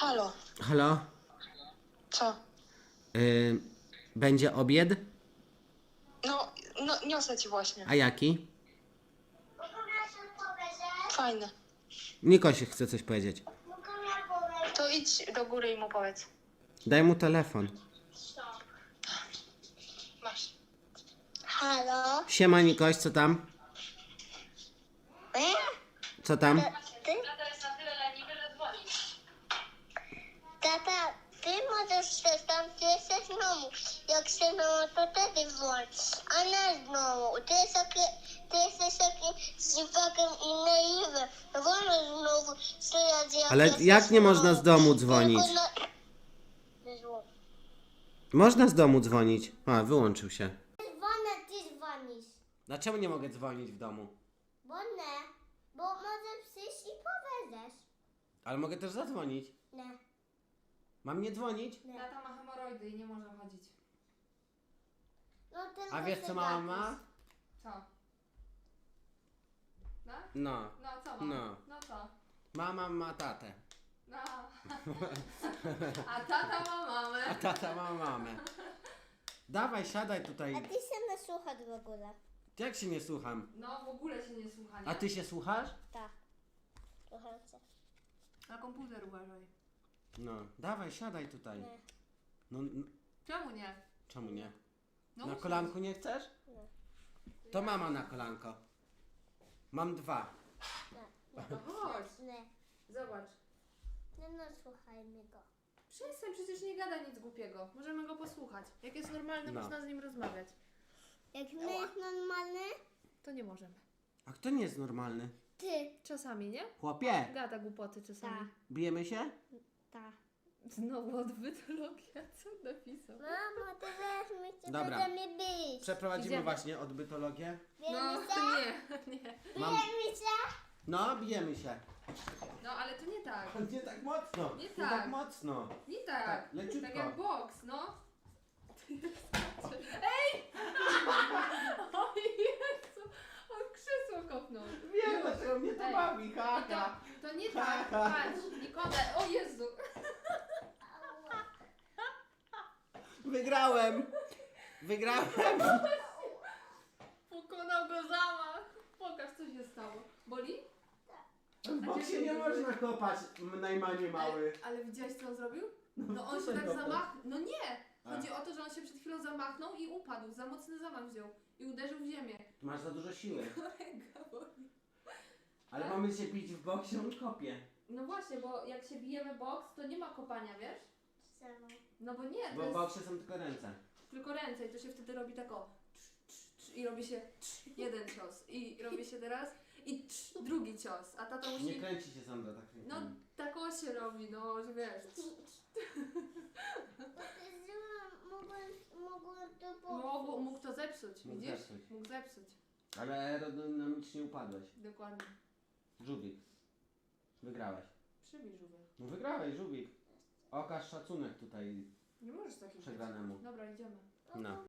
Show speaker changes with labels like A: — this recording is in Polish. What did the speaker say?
A: Halo,
B: Halo?
A: co?
B: Będzie obiad?
A: No, niosę ci właśnie.
B: A jaki?
A: Fajne.
B: Nikoś chce coś powiedzieć.
A: To idź do góry i mu powiedz.
B: Daj mu telefon.
A: Masz.
C: Halo?
B: Siema Nikoś, co tam? Co tam?
C: Ty?
A: Tata jest na tyle leniwy, że dzwoni.
C: Tata, ty możesz też tam, ty jesteś znowu. Jak się znowu, to wtedy włącz. A nie znowu. Ty jesteś taki z dziwakiem i naiwem. Wolno znowu stojąc jak
B: Ale
C: jesteś
B: jak nie można z
C: znowu.
B: domu dzwonić?
C: Tylko na- Dzwoń.
B: Można z domu dzwonić. A, wyłączył się.
C: Dzwonę, ty dzwonisz.
B: Dlaczego nie mogę dzwonić w domu?
C: Bo nie. Bo może przyjść i powiesz.
B: Ale mogę też zadzwonić.
C: Nie.
B: Mam nie dzwonić?
A: Tata ma hemoroidy i nie może chodzić.
C: No, tylko
B: A wiesz co
C: się
B: mama
C: gapisz.
B: ma?
A: Co? No?
B: No.
A: No co mam?
B: No.
A: No co?
B: Mama ma tatę.
A: No. A tata ma mamę.
B: A tata ma mamę. Dawaj, siadaj
C: A
B: tutaj.
C: ty się nie słuchasz w ogóle.
B: Jak się nie słucham?
A: No w ogóle się nie słucha, nie?
B: A ty się słuchasz?
C: Tak. Słucham cię.
A: Na komputer uważaj.
B: No. Dawaj, siadaj tutaj.
C: Nie.
B: No,
A: Czemu nie?
B: czemu nie?
A: No
B: Na
A: usiądź.
B: kolanku nie chcesz?
C: Nie.
B: To mama na kolanko. Mam dwa.
C: Nie.
A: No chodź.
C: Nie.
A: Zobacz.
C: No, słuchajmy go.
A: Przestań, przecież nie gada nic głupiego. Możemy go posłuchać. Jak jest normalny,
B: No.
A: można z nim rozmawiać.
C: Jak nie jest normalny,
A: To nie możemy.
B: A kto nie jest normalny?
C: ty.
A: Czasami, nie?
B: Chłopie,
A: Gada głupoty czasami.
C: Tak.
B: bijemy się?
C: Tak.
A: Znowu odbytologia, co napisał?
C: Mamo, ty weź mi cię,
B: Dobra.
C: będziemy bić.
B: Przeprowadzimy
A: Idziemy.
B: właśnie odbytologię.
A: No,
C: Bijemy się?
A: nie.
B: Mam...
C: Bijemy się?
B: No, bijemy się.
A: No, ale to nie tak.
B: Nie tak mocno.
A: Nie
B: Nie
A: tak.
B: tak mocno.
A: Nie tak.
B: Tak, leciutko.
A: Tak jak boks, no. Ej! O Jezu! On krzesło kopnął.
B: Wiem, dlaczego mnie to
A: Ej.
B: bawi,
A: I
B: haha.
A: to nie tak. Patrz, Nikodem. O Jezu!
B: Wygrałem. Wygrałem.
A: Pokonał go zamach. Pokaż, co się stało. Boli?
B: W boksie nie można kopać, najmanie mały.
A: Ale widziałeś, co on zrobił? No on
B: co
A: się tak
B: kopał?
A: zamachnął. No nie!
B: A.
A: Chodzi o to, że on się przed chwilą zamachnął i upadł. Za mocny zamach wziął. I uderzył w ziemię.
B: Masz za dużo siły.
A: Ręka boli.
B: Ale mamy się bić w boksie, on kopie.
A: No właśnie, bo jak się bijemy boks, to nie ma kopania, wiesz?
C: Czemu?
A: No bo nie,
B: Bo
A: to
B: w
A: jest
B: boksie są tylko ręce.
A: tylko ręce i to się wtedy robi tak o. I robi się jeden cios. I robi się teraz i drugi cios. A tata
B: Nie
A: musi...
B: kręci się Sandra tak
A: No
B: rękami.
A: tak o się robi, no że wiesz.
C: Mogłem to
A: Mógł to zepsuć,
B: Mógł
A: widzisz?
B: zepsuć.
A: Mógł zepsuć.
B: Ale aerodynamicznie upadłeś.
A: Dokładnie.
B: Żubik. Wygrałeś.
A: Przybij żółwie.
B: No wygrałeś, Żubik. Okaż szacunek tutaj
A: Nie możesz takich
B: przegranemu.
A: Dobra, idziemy.
B: No.